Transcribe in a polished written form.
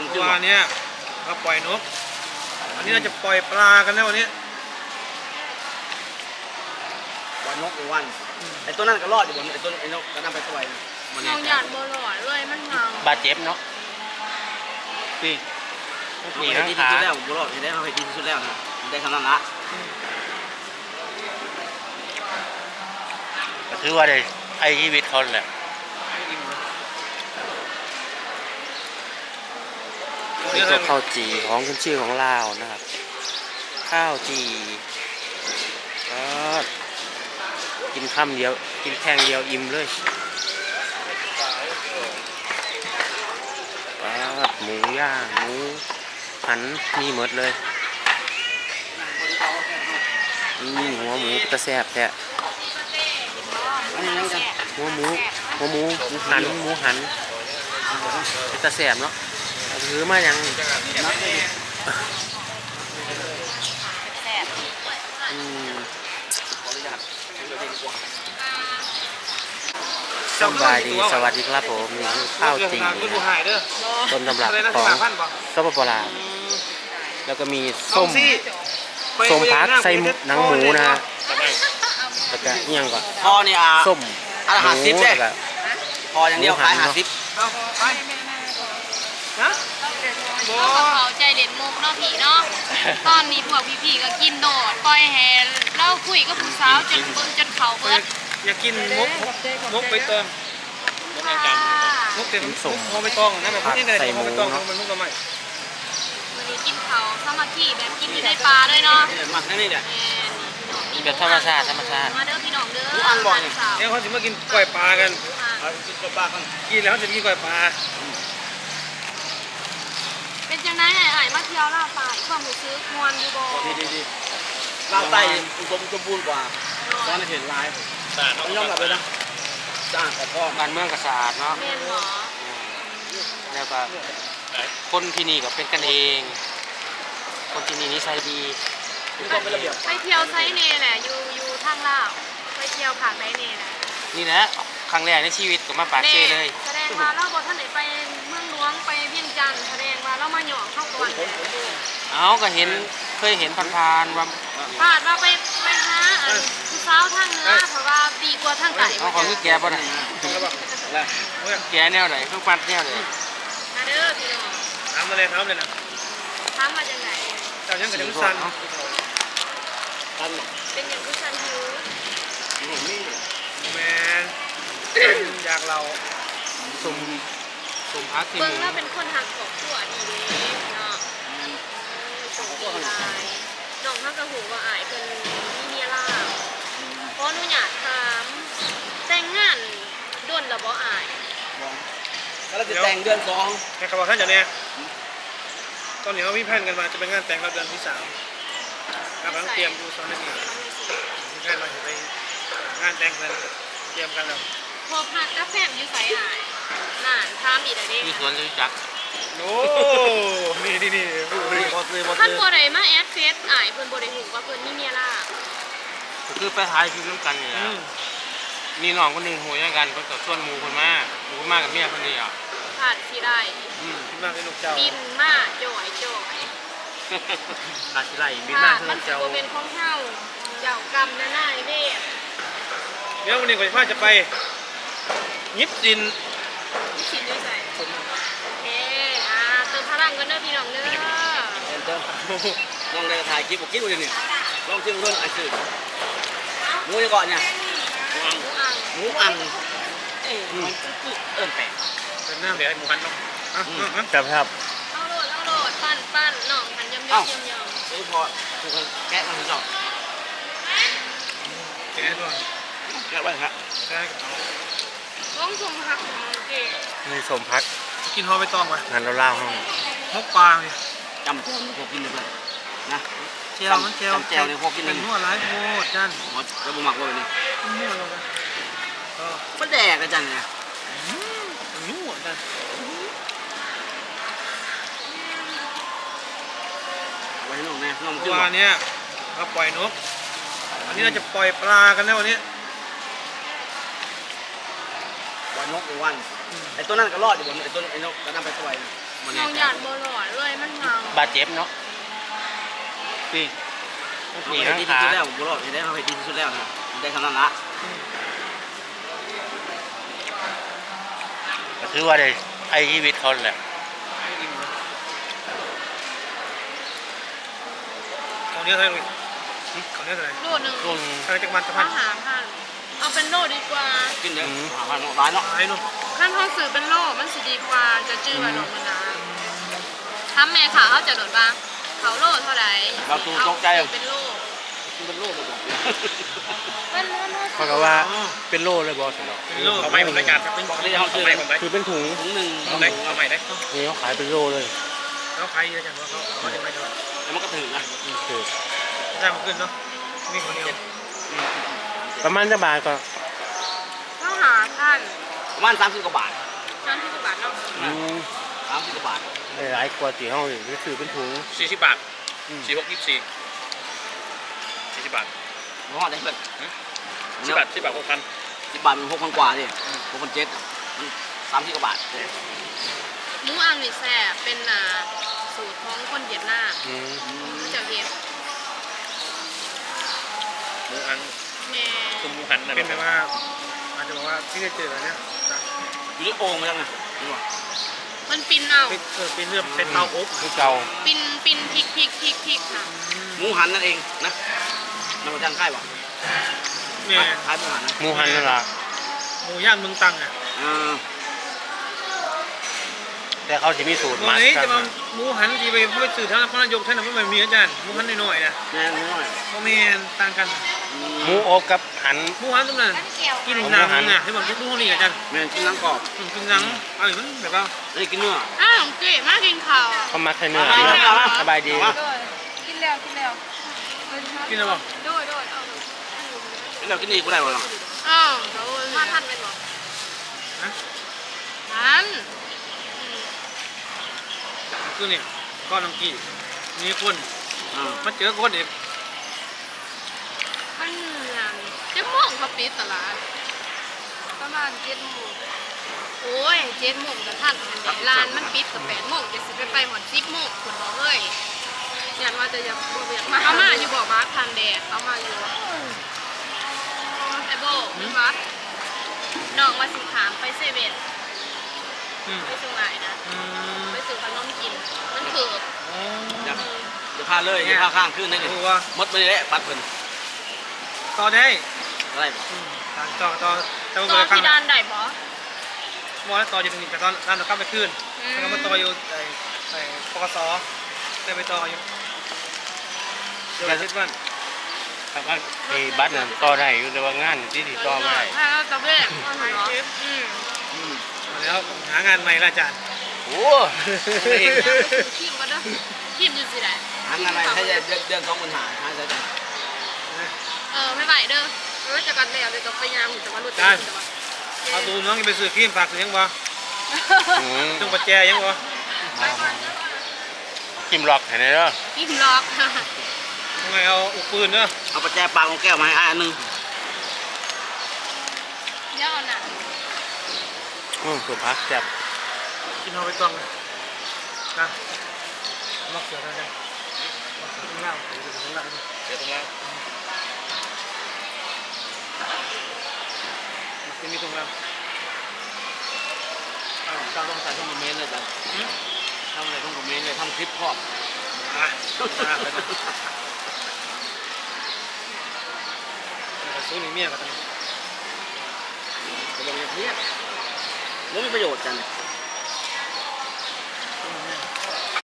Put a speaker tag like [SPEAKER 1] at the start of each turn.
[SPEAKER 1] วันนี้เราปล่อยนกวันนี้เราจะปล่อยปลากันแล้ววันนี้
[SPEAKER 2] ปล่อยนกอีกวันไอ้ตัวนั้นก็รอดอยู่บนไอ้ตัวไอ้นกก็นำไปปล่อย
[SPEAKER 3] น้องหยาดบัวลอยเลยมันเมา
[SPEAKER 4] บาดเจ็บเนาะพี่
[SPEAKER 2] นี่ดีที่สุดแล้วบุรอดได้เขาให้ดีที่สุดแล้วนะได้คำนั้นละ
[SPEAKER 4] ก็ถือว่าได้ไอ้ชีวิตเขาแหละนี่ก็ข้าวจี่ของขึ้นชื่อของลาวนะครับข้าวจี่ก็กินค่ำเดียวกินแค่งเดียวอิ่มเลยหมูย่างหมูหันมีหมดเลยหัวหมูกระแซบแท้หัวหมูหันกระแซบเนาะถือมาอย่างสบายดีสวัสดีครับผมนี่ข้าวจี่ต้นตำรับของสปปลาวแล้วก็มีส้มพักใส่หนังหมูนะฮะแล้วก็ยังก่อน
[SPEAKER 2] พอเนี่ย
[SPEAKER 4] ส้ม
[SPEAKER 2] หมูแล้วพออย่างเดียวขาย50
[SPEAKER 3] นะเขาใจเด่นมุกเนาะผีเนาะตอนนี้พวกพี่ๆก็กินโดดปล่อยแห่เล่าคุยกับผู้สาวจนเบิ้งจนเขาเบิด
[SPEAKER 1] อยากกินมุกไปเติมมุกเต็มส่งมุกไปตองนั่นแบบที่ไหนมุกไปตองมันมุกทำไม
[SPEAKER 3] วันนี้กินเขาสามัคคีแบบกินอยู่ในปลาด้วยเนาะ
[SPEAKER 2] หมักนั่นนี่เนี่ย
[SPEAKER 4] แบบธรรมชาติ
[SPEAKER 3] มาเด้อพี่น้องเด้อ
[SPEAKER 1] เนี่ยเขาจะมากินก๋วยปลากันกินก๋วยปลากันกินแล้วเขาจะกินก๋วยปลา
[SPEAKER 3] เป็นจังไงไอ้มาเที่ยวลาวใต้ความรู้สึกมวนอยู่บ่
[SPEAKER 2] ดีลาวใต้อุดมสมบูรณ์กว่าตอนเห็นไลฟ์ต้องยอมรับเลยนะสะอาดกว่าพ่อ
[SPEAKER 4] บ้านเมืองก็สะอาดเนาะ
[SPEAKER 3] แม่นหรอ
[SPEAKER 4] แล้วก็คนที่นี่ก็เป็นกันเองคนที่นี่นิสัยดี
[SPEAKER 3] ไปเที่ยวไซเน่แหละอยู่ทางลาวไปเที่ยวผ่านไซเน่แหละ
[SPEAKER 4] นี่นะครั้งแรกในชีวิตก็มาปากเซ่เลย
[SPEAKER 3] แสดงว่าเราบอกท่านไหนไปเมืองหลวงไปเวียงจันทร์แสดงว่าเรามาหยองเข้าก่อน
[SPEAKER 4] ก็เคยเห็นผ่านว่า
[SPEAKER 3] ไปหาผู้สาวทางเหนือเพราะว่าดีกว่าทางใต้
[SPEAKER 4] เขาของนี่แกป่ะนะแกแนวไหนทุกปัดแนวไหน
[SPEAKER 3] มาเด้อพี่น้อง
[SPEAKER 1] ถามมาเลยนะ
[SPEAKER 3] ถามมาจังไหน
[SPEAKER 1] แต่ยังกับยังสั่น
[SPEAKER 3] เป็นอย่างผู้สั่นหิว
[SPEAKER 1] แมนอยากเรา
[SPEAKER 4] สมพักที่
[SPEAKER 3] เบิ้งแล้วเป็นคนหักของตัวดีเด้เนาะส่งดีลายน้องเขากระหูว่าอายเป็นมีเมียล่าเพราะหนูอยากถามแต่งงานด้วนหรือบ่อาย
[SPEAKER 2] แล้วจะแต่งเดือน2
[SPEAKER 1] แค่เขาบอกท่านอย่างนี้ตอนนี้เขาพิพาทกันมาจะเป็นงานแต่งเราเดือนที่3กำลังเตรียมดูตอนนี้พิพาทเราจะไปงานแต่งกันเตรียมกันแล้ว
[SPEAKER 3] พอพักกาแฟอยู่ใส่อายน่านทามอีกแล้วดิ
[SPEAKER 4] มีสวนรู้จัก
[SPEAKER 1] โอ้นี่
[SPEAKER 3] ท่านบัวใดมาแอดเฟซอายเพิ่นบัวใดหูว่าเพิ่นมีเมียล่า
[SPEAKER 4] คือไปถ่ายคลิปน้ำกันนี่แหละมีน้องคนหนึ่งโหยกันก็ส่วนหมูคนมากกับเมียคนเดียว
[SPEAKER 3] ผ่านที่ได้
[SPEAKER 1] มาเป็นลูกเจ้า
[SPEAKER 3] บินมาจ่อย
[SPEAKER 4] ขาดที่ไรบินมาคือ
[SPEAKER 3] เจ้าเป็นของเฮาเจ้ากรรมน่ายเด้
[SPEAKER 1] เดี๋ยววันนี้ก่อนจะไปยิบดิน
[SPEAKER 3] ด้วยใจโอเคเติมพลังกันเด้อพี่น้องเด้อ
[SPEAKER 2] เติมน้องได้ถ่ายคลิปบอกคิดดูดิลองชิมเพื่อนไอ้สื่อหมูจะก่อนเนี่ยหมูอังแปลก
[SPEAKER 1] เป็นหน้าเดี๋ยวหมูหันเนาะ
[SPEAKER 4] ครับ
[SPEAKER 3] เอาโหลดปั้นหน่องหันยำ
[SPEAKER 2] ซื้อพอคือแกะมันถึงหน่อง
[SPEAKER 1] แกะด้วย
[SPEAKER 2] แกะไว้ครับ
[SPEAKER 1] แกะกับ
[SPEAKER 3] น้องสมพัก
[SPEAKER 4] นี่สมพัก
[SPEAKER 1] กินห่อใบตองไหม
[SPEAKER 4] งานเราเล่าห้อง
[SPEAKER 1] มกปลาเลย
[SPEAKER 2] จำพวกกินเลยนะ
[SPEAKER 1] เจียว
[SPEAKER 2] เลยพวกกินเลย
[SPEAKER 1] เป็นหัวร้ายโคตรจัน
[SPEAKER 2] แล้วบุหมักไว้นี่มันแดกกันจังเนี่ย
[SPEAKER 1] นุ่มจัน
[SPEAKER 2] ไว้น้องแม่น้อง
[SPEAKER 1] วันนี้เราปล่อยนกวันนี้เราจะปล่อยปลากันแล้ววันนี้
[SPEAKER 2] ปล่อยนกอีกวันไอ้ตัวนั้นก็รอดอยู่บนไอ้ตัวไอ้นกก็นำไปปล่อยมัน
[SPEAKER 3] น้องหยาดบ่หลอดเลยมันเมา
[SPEAKER 4] บาดเจ็บเนาะนี่
[SPEAKER 2] ดี
[SPEAKER 4] นี่
[SPEAKER 2] ที่
[SPEAKER 4] นะ
[SPEAKER 2] สุด
[SPEAKER 4] ขา
[SPEAKER 2] แล้วบุรุษได้เขาไปดีที่สุดแล้วนะได้คำนั้นละ
[SPEAKER 4] ก็ถือว่าได้ไอ้ชีวิตเขาแหละ
[SPEAKER 1] ของเนี้ยเท่าไหร่ของเนี้ยเท่าไหร่
[SPEAKER 3] โลนึง
[SPEAKER 4] รุ่น
[SPEAKER 1] อะไรจากมันจะพั
[SPEAKER 3] ถ้าน หาพันเอาเป็นโลดีกว่า
[SPEAKER 2] กินเยอะหาพันร้ายเนาะ
[SPEAKER 1] ไอ้นู่น
[SPEAKER 3] ขั้นเขาซื้อเป็นโลมันสิดีกว่าจะจื้อมาโดนมันนะถ้าแม่ขาเขาจะโดนบ้างเขาโลเท่าไหร่เป็นโล
[SPEAKER 2] เป็นโรคระบบ
[SPEAKER 3] เป็นโล
[SPEAKER 4] เขาก็ว่าเป็นโล่เลยบอสเนาะ
[SPEAKER 1] เป็นโลกเอาใหม่ผมรายการเป็น
[SPEAKER 2] บอกได้เขาซื้อ
[SPEAKER 4] คือเป็นถุง
[SPEAKER 2] ถุงหนึ่ง
[SPEAKER 1] เอาไหนเอาใหม่ได้
[SPEAKER 4] นี่เขาขายเป็นโล่เลย
[SPEAKER 1] แล้วใครจะจังว่าเขาจะไปดู
[SPEAKER 2] แล้วมันก็ถึงนะ
[SPEAKER 4] คือ
[SPEAKER 1] ได้มาขึ้นเนาะมีคนเดียว
[SPEAKER 4] ประมาณจะบาทก็
[SPEAKER 3] ต้องหาท่าน
[SPEAKER 2] ประมาณ30 กว่าบาท
[SPEAKER 3] ท่านที่กบาทเนาะ
[SPEAKER 2] 30 กว่าบาท
[SPEAKER 4] หลายกว่าที่เขาเลยซื้อเป็นถุง
[SPEAKER 5] 40 บาท 46 24 40 บาท
[SPEAKER 2] เพราะว่าได้เพื่อน
[SPEAKER 5] 10 บาท 10 บาท 6,000
[SPEAKER 2] 10 บาทมัน6,000 กว่าดิ6,700 30 กว่าบาท
[SPEAKER 3] หมูอังนี่แซ่บเป็นสูตรของคนเวียดนาม
[SPEAKER 4] อืม
[SPEAKER 3] เขาจะเฮ็ด
[SPEAKER 5] หมูอัง
[SPEAKER 3] แม่
[SPEAKER 5] คือหมูหันนะ
[SPEAKER 1] เป็นแบบว่าอาจจะบอกว่าที่ได้เจอเนี่ย
[SPEAKER 2] อยู่ในโอ่งมาแล้วไงนี่ว่า
[SPEAKER 3] มันปินเอา
[SPEAKER 1] เป็นเรื่องเป็นเตาอบ
[SPEAKER 4] คือเก่า
[SPEAKER 3] ปินพริกค่ะ
[SPEAKER 2] หมูหันนั่นเองนะมันมาจ้างค่ายป่ะ
[SPEAKER 1] เนี่ย
[SPEAKER 2] ค่ายหมูหันนะ
[SPEAKER 4] หมูหันนั่นล่ะ
[SPEAKER 1] หมูย่างเมืองตังอ่ะ
[SPEAKER 4] แต่เขาจะมีสูตร
[SPEAKER 1] วัน
[SPEAKER 4] มัด
[SPEAKER 1] นี้
[SPEAKER 4] กั
[SPEAKER 1] จะ
[SPEAKER 4] น
[SPEAKER 1] มาหมูหันจีไปพูดสื่อท่านพระนายกท่านไม่มีอาจารย์หมูหันน้อยๆนะ
[SPEAKER 2] แม่น้อย
[SPEAKER 1] โมเมนต่างกัน
[SPEAKER 4] หมูอบกับหัน
[SPEAKER 1] หมูหันตรงนั้นกินหนังอ่ะที่บอกทุกคนนี่อาจารย์
[SPEAKER 2] แม่กินน้ำกรอบ
[SPEAKER 1] กินหนังอะไรมันแบบว่า
[SPEAKER 2] ไม่กินเนื้อ
[SPEAKER 3] อ้าวเก๋มากินข้าว
[SPEAKER 4] เขามัดให้เนื้อ
[SPEAKER 2] เอามาเอามา
[SPEAKER 4] สบายดี
[SPEAKER 3] กินแล้ว
[SPEAKER 1] กินอะไรบ้าง
[SPEAKER 3] โดยเอา
[SPEAKER 2] แล้วกินนี่กูได้บ่ล่ะ
[SPEAKER 3] อ้าวมาทันเป็นบ่ทัน
[SPEAKER 1] คือเนี่ยก้อนน้ำกี้มีคน
[SPEAKER 2] อ่า
[SPEAKER 1] มาเจอคนเด็ก
[SPEAKER 3] มันเหนื่อยจะโมงเขาปิดตลาดประมาณ7 โมงโอ้ย7 โมงก็ทันอันเดร้านมันปิดกับ8 โมงจะสิไปหอด10 โมงคุณบอกเลยอยากว่าจะอยากมาเอามาอยู่บ่บ้าทันแดดเอามาอยู่ไอ้โบมันวัดน้องว่าสิถามไปเซเว่นไปส่งไหนนะไปซื้อขนมกินมันคือ
[SPEAKER 2] จะพาเลยจะพาข้างขึ้นได้เลย
[SPEAKER 1] ดูว่า
[SPEAKER 2] มดไปเลยปัดเพิ่น
[SPEAKER 1] ต่อได้
[SPEAKER 2] อะไรบ่
[SPEAKER 1] ต่อแต่
[SPEAKER 3] ต
[SPEAKER 1] ว่า
[SPEAKER 3] อน
[SPEAKER 1] ข้าง
[SPEAKER 3] ที่ด้านใดบ่
[SPEAKER 1] มอแล้วต่ออยู่ตรงนี้แต่ตอนร้านเราข้ามไปขึ้นแล้วก็มาต่ออยู่ไอ้ปกสได้ไปต่ออยู่เดี๋ยวคิดว่า
[SPEAKER 4] ครับว่าไอ้บัตรนั่นต่อได้อยู่แต่ว่างานที่ที่ต่อไม่ได้
[SPEAKER 3] ถ้าเราตะเวนเหรอ
[SPEAKER 1] มาแล้วหางานใหม่ละอาจารย์
[SPEAKER 4] โอ้
[SPEAKER 3] ทีมก็เด้อทีมอยู่สิได้
[SPEAKER 2] หันอะไรให้เดือน2,000หาหาใช่จ้ะ
[SPEAKER 3] ไม่ไหวเด้อรู้จักกันแล้วเดี๋ยวต้องไปยามจะมารู้จัก
[SPEAKER 1] เอาดูน้องไปซื้อครีมฝากซื้อยังบ่ จงประแจยังบ่
[SPEAKER 4] กิมล็อกเห็นไหมเนาะ
[SPEAKER 3] ทีมล็อก
[SPEAKER 1] ทำไมเอาอุกปืนเนาะ
[SPEAKER 2] เอาประแจปลาของแก้วมาให้อันนึง
[SPEAKER 3] เดี๋ยวเอาหนัก
[SPEAKER 4] สุพักแซ่บ
[SPEAKER 1] กินเอาไปต้องนะมอกเสือได้ไหมมอกเสือข้างล่างเสือข้างล่าง
[SPEAKER 5] เดี๋ยวตรงล่าง
[SPEAKER 1] มันมีตรงล่าง
[SPEAKER 2] ต้องใส่ช่องคอมเมนต์เลยจ้ะทำอะไรช่องคอมเมนต์เลยทำคลิปพร้อม
[SPEAKER 1] อ่ะไปนะซื้อหนึ่งเมียกัน
[SPEAKER 2] จะลงอย่างนี้มันมีประโยชน์กัน